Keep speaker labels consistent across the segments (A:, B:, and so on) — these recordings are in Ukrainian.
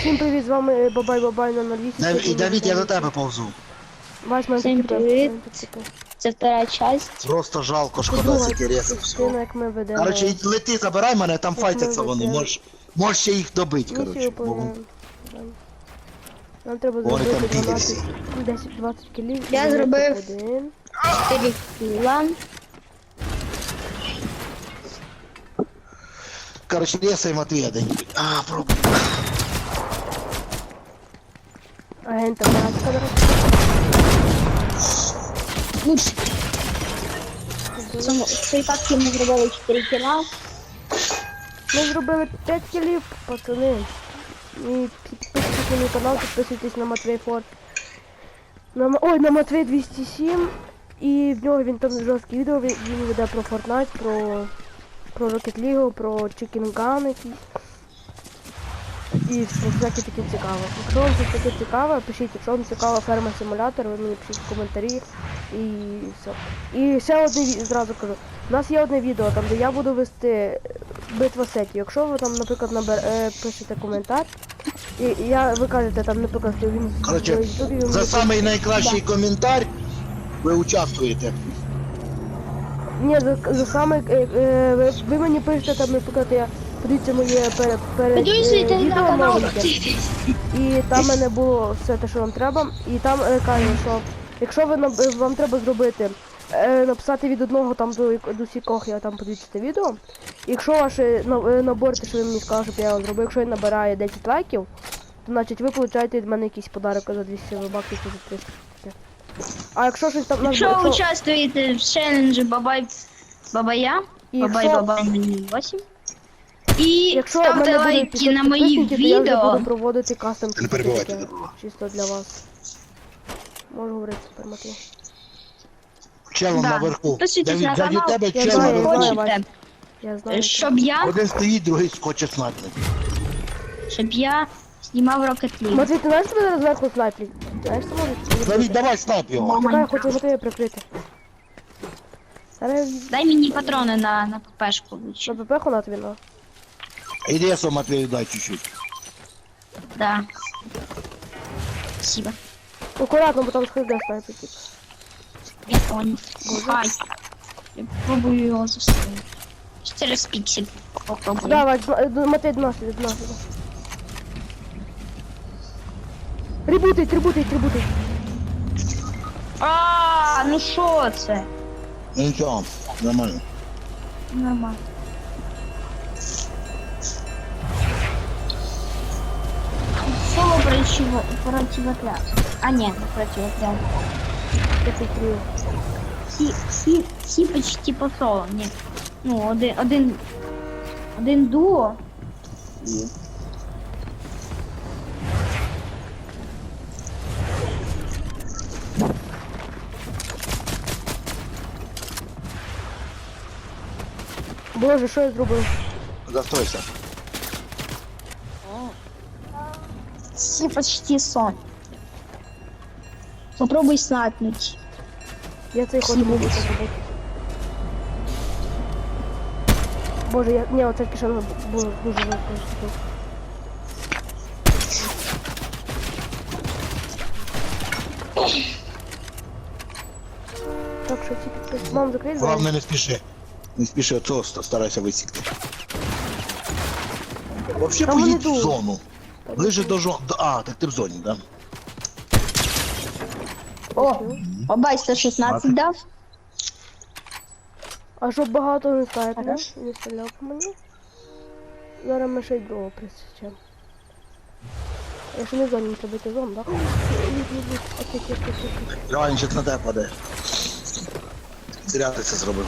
A: Всім привіт, з вами Бабай на 08.
B: І Давід, я до тебе повзу.
A: Вась, мене
C: Всім
A: таки
C: привіт. Це втора часть.
B: Просто жалко, шкода
A: друга
B: стільки ресів
A: частина,
B: всього.
A: як ми ведемо.
B: Короче, лети, забирай мене, там
A: Як
B: файтяться
A: ми
B: вони,
A: ведемо.
B: можеш ще їх добити,
A: Місію
B: короче.
A: виконуємо. Нам треба
B: Вони
A: зробити
B: там
A: 12, 10-20 кілів.
C: Я
A: і
C: зробив.
A: 1.
C: 4 кіла.
B: Короче, ресай Матвія день. Пробуй.
A: Агента Маска, до речі.
C: Лучше. В цій папці ми зробили 4 кіла.
A: Ми зробили 5 кілів, пацани. І підписуйтесь на мій канал, підписуйтесь на Матвей Форд. На Матвей 207. І в нього він там жорсткі відео, він веде про Fortnite, про Rocket League, про Chicken Gun якийсь. І про всяке таке цікаве. Якщо вам це таке цікаве, пишіть, якщо вам цікава ферма симулятор, ви мені пишіть в коментарі і все. І ще одне зразу кажу. У нас є одне відео, там де я буду вести битва сетів. Якщо ви там, наприклад, пишете коментар, і ви кажете там, наприклад, що він
B: Короче,
A: в Ютубі,
B: за самий найкращий коментар ви участвуєте.
A: Ні, за саме ви мені пишете там, наприклад, подивіться моє перед
C: Підписуйтесь на
A: відео
C: канал.
A: новеньке. І там в мене було все те, що вам треба. І там каже, що якщо вам треба зробити, написати від одного там до сікох, я там подивіться це відео. Якщо ваше набор, те, що ви мені сказали, щоб я вам зробив, якщо він набирає 10 лайків, то значить ви получаєте від мене якийсь подарок за 200 баксів чи за 300. А якщо щось там...
C: Якщо ви участвуєте в челенджі Бабая, Бабай 8. І
A: Якщо в
C: ставте
A: мене буде
C: лайки
A: 500
C: на мої
A: підписників, то я вже
C: відео.
A: буду проводити кастом
B: Не перебивайте,
A: таке, чисто для вас. Можу говорити тепер, Матвій.
B: Челом
C: Да.
B: наверху.
C: Підписуйтесь на
B: Давід,
C: канал.
B: тебе
A: Я
B: чел
A: знаю,
B: наверху.
A: знаю.
C: Хочете,
A: Я знаю.
C: щоб я
B: Один стоїть, другий скоче снайпер.
C: знімав Rocket League.
A: Матвій, ти знаєш, тебе зараз зверху снайплять? Знаєш, що можеш?
B: Давід, давай снайп його.
A: Чекай, я хочу Матвія прикрити. Зараз
C: Дай мені патрони на ППшку.
A: на ПП на тобі, ну.
B: Іди я сам Матвію дай чуть-чуть.
C: Да. Спасибо.
A: Акуратно, бо там схиде снайпер, типу.
C: Я понял. Хай. Я пробую його застрелити. Через піксель попробую.
A: Давай, Матвій, до нас. Ребутить.
C: Ну що це?
B: Ну нічого, нормально.
C: Нормально. Соло противотряд. А нет, не противотряд.
A: Я прикрию.
C: Всі почти по соло, ні. Ну, один дуо. І...
A: Боже, що я зробив?
B: Застройся.
C: Всі почти сон. Попробуй снайпнуть.
A: Я цей ход не можу зробити. Боже, ні, оце кишено було дуже важко. Так, що ці підписи. Мам, закрий двері.
B: Главное не спіши. Не спіши, оцього старайся висікти. Вообще
A: Там вони
B: поїдь в
A: йдуть.
B: зону. Ближе до зони. А, так ти в зоні, да?
C: О, бабай 116 дав.
A: А щоб багато не снайпер,
C: Хорошо.
A: не стріляв по мені. Зараз ми ще й другого присічемо. Я ще не в зоні, не треба йти в зону, так? Окей.
B: Реально, зараз на тебе падає. Зря ти це зробив.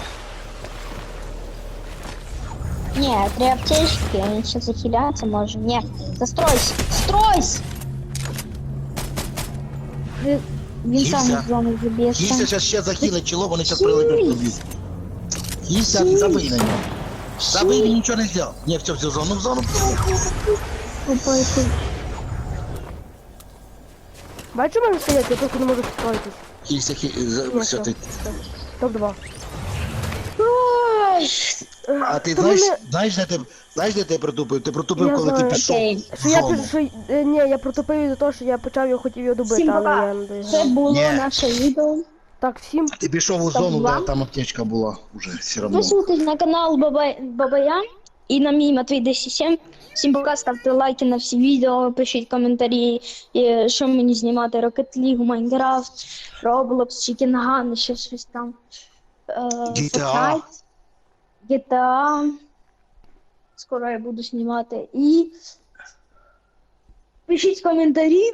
C: Ні, три аптечки, він ще захиляться може. Ні, застройся! Стройся! Він сам
B: Кіся.
C: з зони заб'ється.
B: Кіся зараз ще захилить чоло, вони зараз прилетять тобі. Кіся, забий на нього. Забий, він нічого не зробив. Ні, все, в зону.
A: Бачу, мене стоять, я просто не можу справитись.
B: Кіся, все, ти.
A: Топ-2.
C: Ой,
B: А ти
A: То
B: знаєш,
A: вони-
B: знаєш, де ти протупив? Ти протупив,
A: Я
B: коли ти
A: знаю.
B: пішов
C: Окей.
B: в
A: Що я
B: зону.
A: пишу, ні, я протупив із-за того, що я почав його, хотів його добити,
C: Всім
A: але
C: пока.
A: я не
C: Це
A: доіграв.
C: було
B: Ні.
C: наше відео.
A: Так, всім
B: Ти пішов у
C: Стоп,
B: зону,
C: два.
B: де там аптечка була уже все одно.
C: Підписуйтесь на канал Бабая і на мій Матвій 107. Всім пока, ставте лайки на всі відео, пишіть коментарі, що мені знімати, Rocket League, Minecraft, Roblox, Chicken Gun, ще щось там.
B: GTA.
C: Fortnite, GTA. Скоро я буду знімати. І пишіть коментарі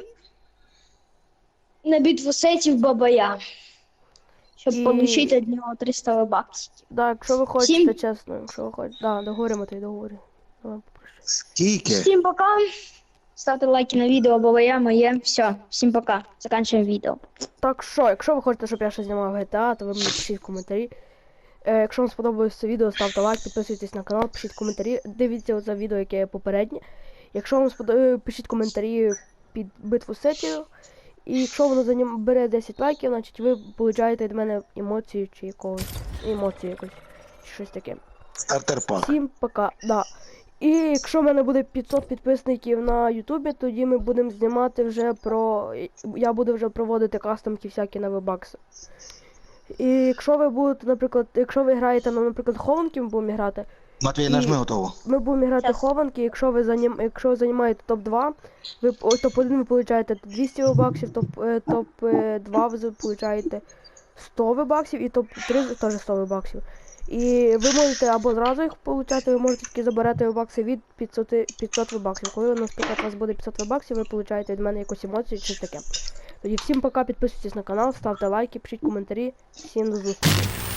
C: на битву сетів Бабая, щоб
A: І-
C: отримати від нього 300 баксів.
A: Да, якщо ви хочете,
C: Всім-
A: чесно, якщо ви хочете. Да, договоримо, ти договорі. Давай, попрошу.
B: Скільки?
C: Всім пока. Ставте лайки на відео, Бабая моє. Все, всім пока. Заканчуємо відео.
A: Так що, якщо ви хочете, щоб я ще знімав GTA, то ви мені пишіть в коментарі. Якщо вам сподобалось це відео, ставте лайк, підписуйтесь на канал, пишіть коментарі. Дивіться оце відео, яке є попереднє. Якщо вам сподобалось, пишіть коментарі під битву сетів. І якщо воно бере 10 лайків, значить ви получаєте від мене емоцію чи якогось. Емоцію якось. Чи щось таке.
B: Стартер пак.
A: Всім пока. Да. І якщо в мене буде 500 підписників на Ютубі, тоді ми будемо знімати вже про. Я буду вже проводити кастомки всякі на вебакси. І якщо ви будете, наприклад, якщо ви граєте, ну, наприклад, хованки ми будемо грати,
B: Матвій,
A: І-
B: нажми готово.
A: ми будемо грати
C: Щас.
A: хованки, якщо ви займаєте топ-2, ви топ-1 ви получаєте 200 вебаксів, топ-2 ви получаєте 100 вебаксів і топ-3 теж 100 вебаксів. І ви можете або зразу їх получати, ви можете тільки забирати вебакси від 500 вебаксів. Коли, наприклад, у вас буде 500 вебаксів, ви получаєте від мене якусь емоцію чи щось таке. Тоді всім пока, підписуйтесь на канал, ставте лайки, пишіть коментарі. Всім до зустрічі.